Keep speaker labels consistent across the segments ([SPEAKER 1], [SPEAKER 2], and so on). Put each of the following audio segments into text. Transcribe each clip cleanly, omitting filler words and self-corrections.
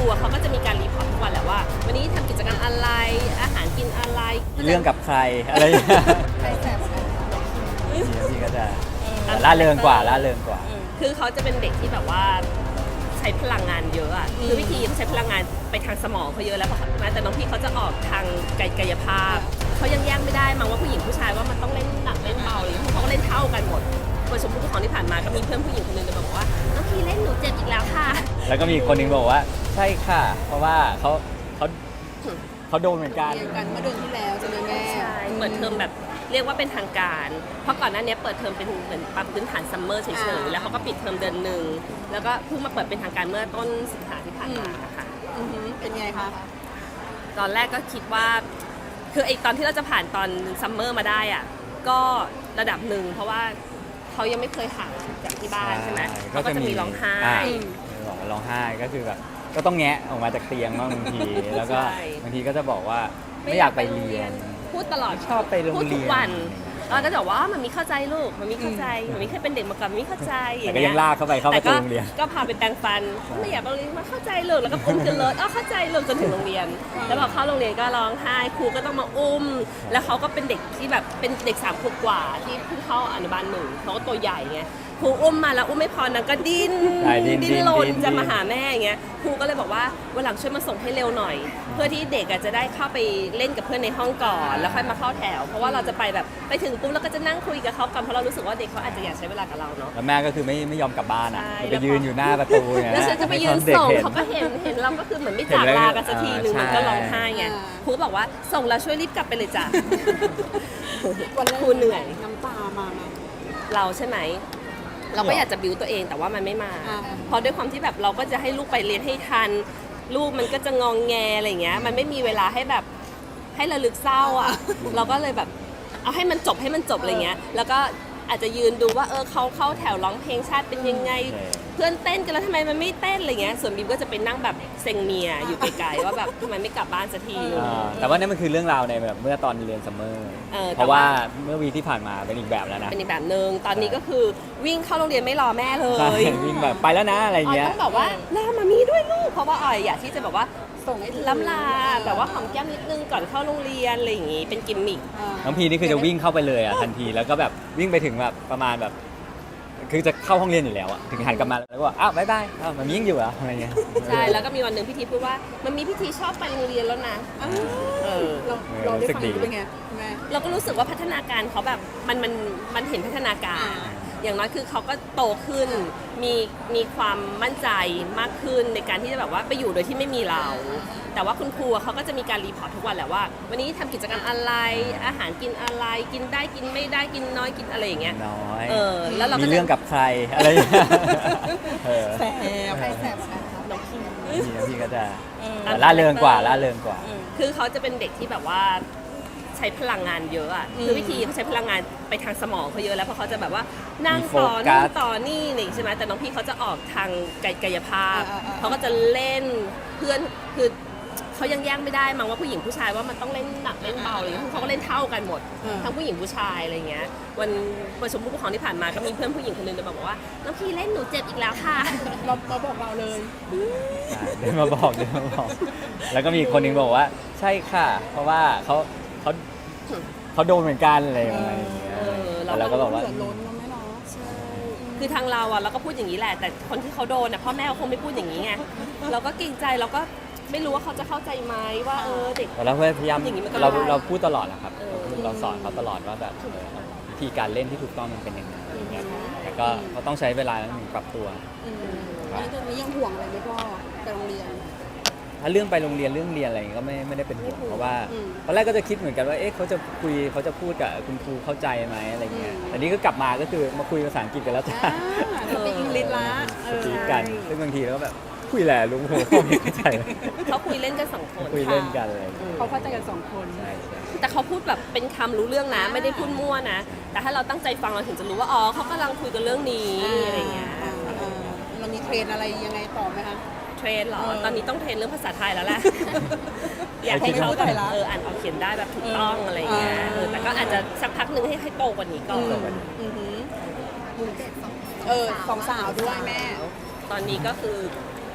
[SPEAKER 1] รูเขาก็จะมีการรีพอร์ตทุกวันแหละว่าวันนี้ทำกิจกรรมอะไรอาหารกินอะไร
[SPEAKER 2] เรื่องกับใครอะไรอย่างเงี้ย
[SPEAKER 3] ใครแสบใคร
[SPEAKER 2] พี่ก็จะล่าเริงกว่าล่าเริงกว่า
[SPEAKER 1] คือเขาจะเป็นเด็กที่แบบว่าใช้พลังงานเยอะอ่ะคือวิธีเขาใช้พลังงานไปทางสมองเขาเยอะแล้วแต่น้องพี่เขาจะออกทางกายภาพเขายังแยกไม่ได้มั้งว่าผู้หญิงผู้ชายว่ามันต้องเล่นหนักเล่นเบาอะไรเขาก็เล่นเท่ากันหมดประชุมผู้ปกครองที่ผ่านมาก็มีเพื่อนผู้หญิงคนนึงเลยบอกว่าน้องพี่เล่นหนูเจ็บอีกแล้วค่ะ
[SPEAKER 2] แล้วก็มีคนหนึงบอกว่าใช่ค่ะ เพราะว่าเขาโดนเหมือนกัน
[SPEAKER 3] เรียนกันเมื่อเดือนที่แล้วใช่ไหมแม่
[SPEAKER 1] ใช่เปิดเทอมแบบเรียกว่าเป็นทางการ เพราะก่อนหน้านี้เปิดเทอมเป็นเหมือนปรับพื้นฐานซัมเมอร์เฉยๆแล้วเขาก็ปิดเทอมเดือนหนึ่งแล้วก็เพิ่งมาเปิดเป็นทางการเมื่อต้นสิงหาที่ผ่านมาค่ะ
[SPEAKER 3] เป็นไงคะ
[SPEAKER 1] ตอนแรกก็คิดว่าคือไอตอนที่เราจะผ่านตอนซัมเมอร์มาได้อ่ะก็ระดับหนึ่งเพราะว่าเขายังไม่เคยห่างจากที่บ้านใช่ไหมเขาก็จะมีร้องไห้
[SPEAKER 2] ร้องไห้ก็คือแบบก็ต้องแงะออกมาจากเตียงบ้างบางที แล้วก็บางทีก็จะบอกว่าไม่อยากไปเรียน
[SPEAKER 1] พูดตลอด
[SPEAKER 2] ชอบไปโรง
[SPEAKER 1] พูด
[SPEAKER 2] เรี
[SPEAKER 1] ทุก
[SPEAKER 2] ยน
[SPEAKER 1] วันแล้วก็จะบอกว่ามันมีเข้าใจลูกมันมีเข้าใจมันมีเคยเป็นเด็กมาก่อนมันมีเข้าใจ
[SPEAKER 2] แต่ก็ยังลากเข้าไปเข้าประตูโรงเรียน
[SPEAKER 1] ก็พาไปแปรงฟันไม่อยากไปโรงเรียนมาเข้าใจลูกแล้วก็อุ้มขึ้นรถเข้าใจลูกจนถึงโรงเรียน แล้วพอเข้าโรงเรียนก็ร้องไห้ครูก็ต้องมาอุ้ม แล้วเขาก็เป็นเด็กที่แบบเป็นเด็ก3 ขวบกว่าที่เพิ่งเข้าอนุบาล1เขาก็ตัวใหญ่ไงครูอุ้มมาแล้วอุ้มไม่พอนางก็ดิ้นรนจะมาหาแม่อย่างเงี้ยครูก็เลยบอกว่าวันหลังช่วยมาส่งให้เร็วหน่อย เพื่อที่เด็กจะได้เข้าไปเล่นกับเพื่อนในห้องก่อนแล้วค่อยมาเข้าแถวเพราะว่าเราจะไปแบบไปถึงปุ๊บแล้วก็จะนั่งคุยกับเขากันเพราะเรารู้สึกว่าเด็กเขาอาจจะอยากใช้เวลากับเราเนาะ
[SPEAKER 2] แล้วแม่ก็คือไม่ยอมกลับบ้านอ่ะ
[SPEAKER 1] ใช่
[SPEAKER 2] ไปยืนอยู่หน้าประตูเนี่ย
[SPEAKER 1] แล้วฉันจะไปยืนส่งเขาก็เห็นเราก็คือเหมือนไม่จากลากันสักทีนึงมันก็ร้องไห้ไงครูบอกว่าส่งแล้วช่วยรีบกลับไปเลยจ้ะ
[SPEAKER 3] วันแรก
[SPEAKER 1] ครูเหนื่อย
[SPEAKER 3] น้ำตามาไหม
[SPEAKER 1] เราใช่ไหมเราก็อยากจะบิวตัวเองแต่ว่ามันไม่มา เพราะด้วยความที่แบบเราก็จะให้ลูกไปเรียนให้ทัน ลูกมันก็จะงองแงอะไรเงี้ยมันไม่มีเวลาให้แบบให้ระลึกเศร้าอ่ะ เราก็เลยแบบเอาให้มันจบอะไรเงี้ยแล้วก็อาจจะยืนดูว่าเขาเข้าแถวร้องเพลงชาติเป็นยังไง เพื่อนเต้นกันแล้วทำไมมันไม่เต้นอะไรเงี้ยส่วนบีมก็จะไปนั่งแบบเซ็งเมียอยู่ไกลๆว่าแบบทำไมไม่กลับบ้านสักทีนึง
[SPEAKER 2] แต่ว่านั่นมันคือเรื่องราวในแบบเมื่อตอนเรียนซัมเมอร์
[SPEAKER 1] แต่
[SPEAKER 2] เพราะว่าเมื่อวีที่ผ่านมาเป็นอีกแบบแล้วนะ
[SPEAKER 1] เป็นอีกแบบนึงตอนนี้ก็คือวิ่งเข้าโรงเรียนไม่รอแม่เล
[SPEAKER 2] ใช่
[SPEAKER 1] ย
[SPEAKER 2] วิ่งแบบไปแล้วนะอะไร
[SPEAKER 1] ออย
[SPEAKER 2] เงี้ย
[SPEAKER 1] ต้องบอกว่าลามามีด้วยลูกเพราะว่าออยอยากที่จะแบบว่า
[SPEAKER 3] ส่งให้ถึง
[SPEAKER 1] ล้ำลาแบบว่าหอมแก้มนิดนึงก่อนเข้าโรงเรียนอะไรอย่างงี้เป็นกิมมิค
[SPEAKER 2] น้องพีนี่คือจะวิ่งเข้าไปเลยอ่ะทันทีแล้วก็แบบวิ่งไปถึงแบบประมาณแบบคือจะเข้าห้องเรียนอยู่แล้วอ่ะถึงหันกลับมาแล้วก็บอกอ้าวบ๊ายบายอ้าวมันยิ่งอยู่เหรออะไรเงี้ย
[SPEAKER 1] ใช่แล้วก็มีวันหนึ่งพิธีพูดว่ามันมีพิธีชอบไปโรงเรียนแล้วนะเออ
[SPEAKER 3] เราได้ฟังเป็นไงแม่
[SPEAKER 1] เราก็รู้สึกว่าพัฒนาการเขาแบบมันเห็นพัฒนาการ อย่างน้อยคือเขาก็โตขึ้นมีความมั่นใจมากขึ้นในการที่จะแบบว่าไปอยู่โดยที่ไม่มีเรา แต่ว่าคุณครูเขาก็จะมีการรีพอร์ตทุกวันแหละว่าวันนี้ทำกิจกรรมอะไรอาหารกินอะไรกินได้กินไม่ได้กินน้อยกินอะไรอย่างเงี้ย
[SPEAKER 2] น้อย
[SPEAKER 1] แล้วเราก็
[SPEAKER 2] มีเรื่องกับใครอะไรอย่างเงี้ย
[SPEAKER 3] แสบใครแสบใคร
[SPEAKER 1] น้องพี่
[SPEAKER 2] พี่ก็จะล่าเริงกว่าล่าเริงกว่า
[SPEAKER 1] คือเขาจะเป็นเด็กที่แบบว่าใช้พลังงานเยอะอ่ะคือวิธีเขาใช้พลังงานไปทางสมองเขาเยอะแล้วเพราะเขาจะแบบว่านั่งต่อ
[SPEAKER 2] มีโฟกั
[SPEAKER 1] นู่
[SPEAKER 2] ส
[SPEAKER 1] นต่อนี่นี่ใช่ไหมแต่น้องพี่เขาจะออกทางกายภาพเขาก็จะเล่นเพื่อนคือเขายังแยกไม่ได้มั้งว่าผู้หญิงผู้ชายว่ามันต้องเล่นหนักเล่นเบาอะไรอย่างเงี้ยเขาก็เล่นเท่ากันหมดทั้งผู้หญิงผู้ชายอะไรเงี้ยวันประชุมผู้ปกครองที่ผ่านมาก็มีเพื่อนผู้หญิงคนนึงเลยบอกว่าน้องพี่เล่นหนูเจ็บอีกแล้วค่ะ
[SPEAKER 3] เราบอกเราเลย
[SPEAKER 2] เดินมาบอก แล้วก็มีคนหนึงบอกว่าใช่ค่ะ เพราะว่าเขาโดนเหมือนกันอะไรอย่างเงี้ยแล้วก็บอกว่า
[SPEAKER 3] เดือดร้อนเนาะแม่เนาะ
[SPEAKER 1] คือทางเราอะเราก็พูดอย่างนี้แหละแต่คนที่เขาโดนอะพ่อแม่เขาคงไม่พูดอย่างนี้ไงเราก็เกรงใจเราก็ไม่รู้ว่าเขาจะเข้าใจไหมว่าเด็ก
[SPEAKER 2] เราพยายาม
[SPEAKER 1] อย่างนี้มันก็
[SPEAKER 2] เรา
[SPEAKER 1] ได้
[SPEAKER 2] เราพูดตลอดนะครับเราสอนเขาตลอดว่าแบบวิธีการเล่นที่ถูกต้องมันเป็นยังไงอย่างเงี้ยแต่ก็เขาต้องใช้เวลาหนึ่งปรับตัว
[SPEAKER 3] อันนี้ตอนนี้ยังห่วงอะไรไหมพ่อไปโรงเรียน
[SPEAKER 2] ถ้าเรื่องไปโรงเรียนเรื่องเรียนอะไรอย่างเงี้ยก็ไม่ได้เป็นห่วงเพราะว่าตอนแรกก็จะคิดเหมือนกันว่าเอ๊ะเขาจะพูดกับคุณครูเข้าใจไหมอะไรเงี้ยแต่นี่ก็กลับมาก็คือมาคุยภาษาอังกฤษกันแล้วจ้า
[SPEAKER 3] สปีกอังกฤษละ
[SPEAKER 2] สปีกกันซึ่งบางทีเราก็แบบคุยแหละลุงผมไม่เข้าใจเลย
[SPEAKER 1] เขาคุยเล่นกันสองคน
[SPEAKER 2] คุยเล่นกันเลย
[SPEAKER 3] เขาเข้าใจกันสองคน
[SPEAKER 2] ใช่ใช่
[SPEAKER 1] แต่เขาพูดแบบเป็นคำรู้เรื่องนะไม่ได้พูดมั่วนะแต่ถ้าเราตั้งใจฟังเราถึงจะรู้ว่าอ๋อเขากำลังคุยกันเรื่องนี้อะไรเงี้ย
[SPEAKER 3] เรามีเทรนอะไรยังไงต่อไหมคะ
[SPEAKER 1] เทรนเหรอตอนนี้ต้องเทรนเรื่องภาษาไทยแล้วแหละ อยาก
[SPEAKER 3] ให้
[SPEAKER 1] ให้
[SPEAKER 3] เขา
[SPEAKER 1] เขา
[SPEAKER 3] ไทยละ
[SPEAKER 1] อ่านออกเขียนได้แบบถูกต้องอะไรเงี้ยแต่ก็อาจจะสักพักหนึ่งให้โตกว่านี้ก่อน
[SPEAKER 3] สองสาวด้วยแม่
[SPEAKER 1] ตอนนี้ก็คือ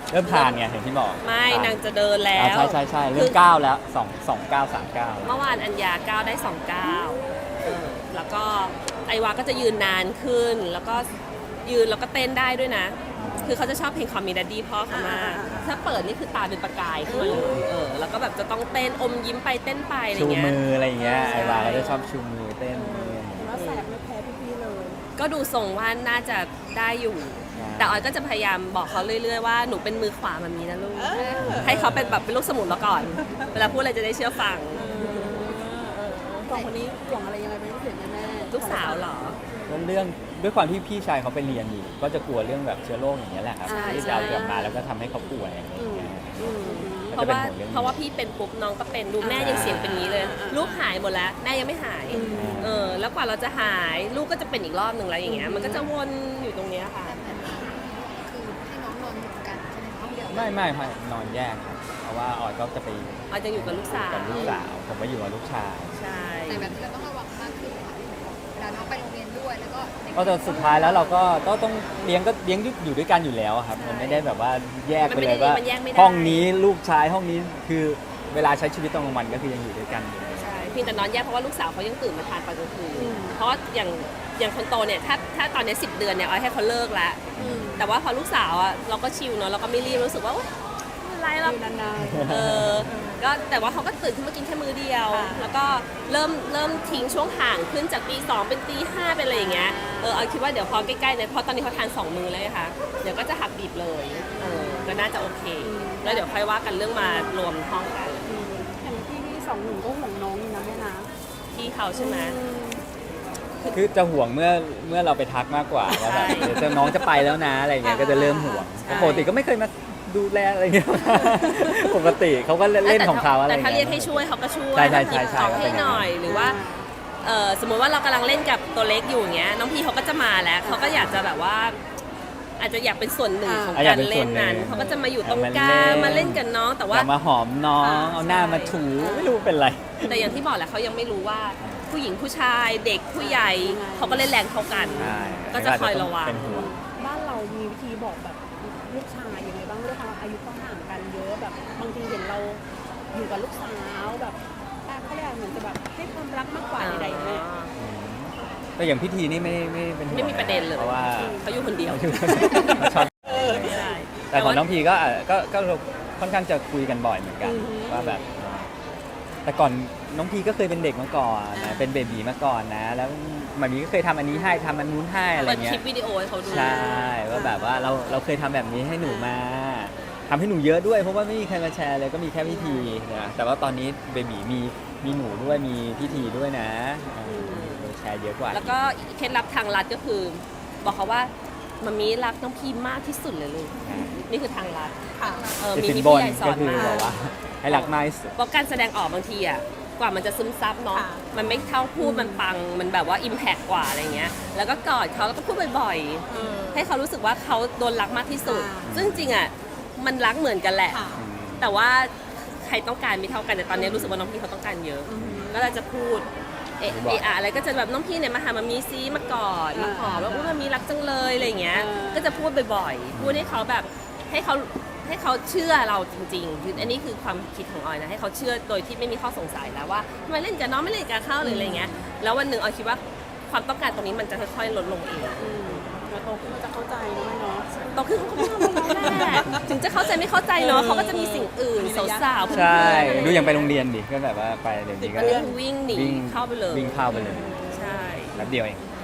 [SPEAKER 2] เริ่มทานไงเห็นที่บอก
[SPEAKER 1] ไม่
[SPEAKER 2] ท
[SPEAKER 1] นางจะเดินแล้ว
[SPEAKER 2] ใช่เริ่มก้าวแล้ว2 9 3 9
[SPEAKER 1] เมื่อวานอัญญาก้าวได้2ก้าวแล้วก็ไอวาก็จะยืนนานขึ้น แล้วก็ยืนแล้วก็เต้นได้ด้วยนะ คือเขาจะชอบเพลงคอมมิดัดดี้พ่อเขามากถ้าเปิดนี่คือตาเป็นประกายขึ้นมาเลยแล้วก็แบบจะต้องเต้นอมยิ้มไปเต้นไปอะไร
[SPEAKER 2] ชู
[SPEAKER 1] เงี้ย
[SPEAKER 2] มืออะไรอย่างเงี้ย
[SPEAKER 1] ใช่
[SPEAKER 2] ไอวาเขาจะชอบชูมือเต้น
[SPEAKER 3] ว่าแสบไม่แพ้พี่ๆเลย
[SPEAKER 1] ก็ดูทรงว่าน่าจะได้อยู่ แต่ออยก็จะพยายามบอกเขาเรื่อยๆว่าหนูเป็นมือขวาแบบนี้นะลูก ให้เขาเป็นแบบเป็นลูกสมุนเราก่อน เวลาพูดอะไรจะได้เชื่อฟัง
[SPEAKER 3] สองคนนี้ห่วงอะไรยังไงเป็นพิเศษแม่
[SPEAKER 1] ลูกสาวเหรอ
[SPEAKER 2] เรื่องด้วยความที่พี่ชายเขาไปเรียนอยู่ ก็จะกลัวเรื่องแบบเชื้อโรคอย่างเงี้ยแหละครับ
[SPEAKER 1] ใช่
[SPEAKER 2] ที่จะเอากลับมาแล้วก็ทำให้เขาป่วยอะไรอย่างเงี้ย
[SPEAKER 1] เพราะว่าเพราะว่าพี่เป็นปุ๊บน้องก็เป็นดูแม่ยังเสียงเป็นนี้เลย ลูกหายหมดแล้วแม่ยังไม่หายแล้วกว่าเราจะหายลูกก็จะเป็นอีกรอบหนึ่งแล้วอย่างเงี้ยมันก็จะวนอยู่ตรงเนี้ยค่ะ
[SPEAKER 4] คือให้น้องนอนอยู่กันใช่ไหมห้องเดียว
[SPEAKER 2] ไม่นอนแยกครับเพราะว่าออยก็จะไป
[SPEAKER 1] ออยจะอยู่กับลูกสาว
[SPEAKER 2] กับลูกสาวผมก็อยู่กับลูกชาย
[SPEAKER 1] ใช่
[SPEAKER 4] แต่แบบนี้เราต้องระวังมากขึ้นค่ะเวลาน้องไปโรงเรียนด้วยแล้วก็เด็ก
[SPEAKER 2] ก็แต่สุดท้ายแล้วเราก็ต้องเลี้ยงอยู่ด้วยกันอยู่แล้วครับมันไม่ได้แบบว่าแยกไปเลยว่าห้องนี้ลูกชายห้องนี้คือเวลาใช้ชีวิตตอนกลางวันก็คือยังอยู่ด้วยกันอยู่
[SPEAKER 1] ใช่เพียงแต่นอนแยกเพราะว่าลูกสาวเขายังตื่นมาทานตอนกลางคืนเพราะว่าอย่างคนโตเนี่ยถ้าตอนนี้10 เดือนเนี่ยออยให้เขาเลิกแล้วแต่ว่าพอลูกสาวอ่ะเราก็ชิลเนาะเราก็ไม่รีบรู้สึกว่าโอ๊ยไม่เป็นไรหรอก
[SPEAKER 3] ๆนาน
[SPEAKER 1] ก็แต่ว่าเขาก็ตื่นขึ้นมากินแค่มื้อเดียว แล้วก็เริ่มทิ้งช่วงห่างขึ้นจากตี 2เป็นตี 5เป็นอะไรอย่างเงี้ยเอาคิดว่าเดี๋ยวพอใกล้ๆเนี่ยเพราะตอนนี้เขาทาน2 มื้อเลยค่ะเดี๋ยวก็จะหักดิบเลยก็น่าจะโอเค แล้วเดี๋ยวค่อยว่ากันเรื่องมารวมห้องกัน
[SPEAKER 3] ๆอย่างพี่สองหนุ่มก็ห่วงน้องนี่นะแม่นะ
[SPEAKER 1] พี่เขาใช่ไหม
[SPEAKER 2] คือจะห่วงเมื่อเราไปทักมากกว่าว่าแบบ
[SPEAKER 1] ใช่
[SPEAKER 2] เดี๋ยวจะน้องจะไปแล้วนะอะไรเงี้ยก็จะเริ่มห่วง
[SPEAKER 1] ใช่
[SPEAKER 2] แต่ปกติก็ไม่เคยมาดูแลอะไรเงี้ย ปกติเขาก็เล่นของเขาอะไร
[SPEAKER 1] แต่
[SPEAKER 2] เงี้ย
[SPEAKER 1] ถ้าเรียกให้ช่วยเขาก็ช่วย
[SPEAKER 2] ใช่
[SPEAKER 1] หยิบของ
[SPEAKER 2] ก็เป็
[SPEAKER 1] ให้
[SPEAKER 2] น
[SPEAKER 1] หน่อยหรือว่าสมมติว่าเรากำลังเล่นกับตัวเล็กอยู่อย่างเงี้ยน้องพี่เขาก็จะมาแล้วเขาก็อยากจะแบบว่า อาจจะอยากเป็นส่วนหนึ่งของ
[SPEAKER 2] อ่ะอยา
[SPEAKER 1] การ
[SPEAKER 2] กเป็นส่
[SPEAKER 1] เล่
[SPEAKER 2] วน
[SPEAKER 1] น
[SPEAKER 2] หนึ่ง
[SPEAKER 1] นั้นเขาก็จะมาอยู่ตรง
[SPEAKER 2] มาก
[SPEAKER 1] ลาง
[SPEAKER 2] เล่น
[SPEAKER 1] มาเล่นกับน้องแต่ว่า
[SPEAKER 2] อยากมาหอมน้องเอาหน้ามาถูไม่รู้เป็นไร
[SPEAKER 1] แต่อย่างที่บอกแหละเขายังไม่รู้ว่าผู้หญิงผู้ชายเด็กผู้ใหญ่เขาก็เล่นแรงเท่ากัน
[SPEAKER 2] ใช่
[SPEAKER 1] ก็จะคอยระวัง
[SPEAKER 2] เป็นห่วง
[SPEAKER 3] บ้านเรามีวิธีบอกแบบลูกชายยังไงบ้างด้วยความอายุก็ห่างกันเยอะแบบบางทีเห็นเราอยู่กับลูกสาวแบบเขาเรียกเหมือนจะแบบให้ความรักมากกว่าใดๆแม่
[SPEAKER 2] แต่อย่างพิธีนี่ไม่เป็นห่วง
[SPEAKER 1] ไม่มีประเด็นเลย
[SPEAKER 2] เพราะว่า
[SPEAKER 1] เขาอยู่คนเดียว
[SPEAKER 2] ชอบ
[SPEAKER 1] ใช่
[SPEAKER 2] แต่ของน้องพีก็ค่อนข้างจะคุยกันบ่อยเหมือนกันว่าแบบ แต่ก่อนน้องพีก็เคยเป็นเด็กมาก่อนนะเป็นเบบีมาก่อนนะ แล้วมันมีก็เคยทำอันนี้ให้ทำอันนู้นให้อะไร
[SPEAKER 1] เปิด
[SPEAKER 2] เงี้
[SPEAKER 1] คลิ
[SPEAKER 2] ย
[SPEAKER 1] ปวิดีโอให้เขาดู
[SPEAKER 2] ใช่ว่าแบบว่าเราเคยทำแบบนี้ให้หนูมาทำให้หนูเยอะด้วยเพราะว่าไม่มีใครมาแชร์เลยก็มีแค่พิธีนะแต่ว่าตอนนี้เบบีมีหนูด้วยมีพิธีด้วยนะแชร์เยอะกว่า
[SPEAKER 1] แล้วก็เคล็ดลับทางลัดก็คือ บอกเขาว่ามามีรักน้องพีมากที่สุดเลยลูกนี่คือทางลัด
[SPEAKER 3] ค่ะ
[SPEAKER 2] แต่
[SPEAKER 1] มี
[SPEAKER 2] สิน
[SPEAKER 1] พี่
[SPEAKER 2] บน
[SPEAKER 1] ใหญ่สอ
[SPEAKER 2] ก็
[SPEAKER 1] น
[SPEAKER 2] คือ
[SPEAKER 1] มา
[SPEAKER 2] บอกว่าให้รักมากที่สุด
[SPEAKER 1] เพราะการแสดงออกบางทีอ่ะกว่ามันจะซึมซับเนาะ
[SPEAKER 3] ค่ะ
[SPEAKER 1] มันไม่เท่าพูดมันปังมันแบบว่าอิมแพกกว่าอะไรเงี้ยแล้วก็กอดเขาแล้วก็พูดบ่อยๆ ให้เขารู้สึกว่าเขาโดนรักมากที่สุด ซึ่งจริงๆอ่ะมันรักเหมือนกันแหละ
[SPEAKER 3] ค่ะ
[SPEAKER 1] แต่ว่าใครต้องการไม่เท่ากันแต่ตอนนี้รู้สึกว่าน้องพี่เขาต้องการเยอะ ก็เลยจะพูดอะไรก็จะแบบน้องพี่เนี่ยมาหามามีซีมากอดมาหอมแล้วอุ้ยมามีรักจังเลยอะไรอย่างเงี้ย ก็จะพูดบ่อยๆ พูดให้เขาแบบให้เขาเชื่อเราจริงๆคืออันนี้คือความคิดของออยนะให้เขาเชื่อโดยที่ไม่มีข้อสงสัยแล้วว่าทำไมเล่นกับน้องไม่เล่นกับเขาหรืออะไรเงี้ย แล้ววันหนึ่งออยคิดว่าความต้องการตรงนี้มันจะค่อยๆลดลงเอง
[SPEAKER 3] แล้วโตขึ้นก็จะเข้าใจนะแม่เนาะ
[SPEAKER 1] โตขึ้นเขาก็ไม่ทำอะไรแหละถึงจะเข้าใจไม่เข้าใจเนาะเขาก็จะมีสิ่งอื่นสาวๆเพื่อนๆ
[SPEAKER 2] ใช่
[SPEAKER 1] อะไร
[SPEAKER 2] ดูอย่างไปโรงเรียนดิก็แบบว่าไปเดี๋ยวนี้ก็
[SPEAKER 1] อันนี้คือวิ่งหนีเข้าไปเลย
[SPEAKER 2] วิ่งเข้าไปเลย
[SPEAKER 1] ใช่
[SPEAKER 2] แป๊บเดียวเอง
[SPEAKER 1] ใ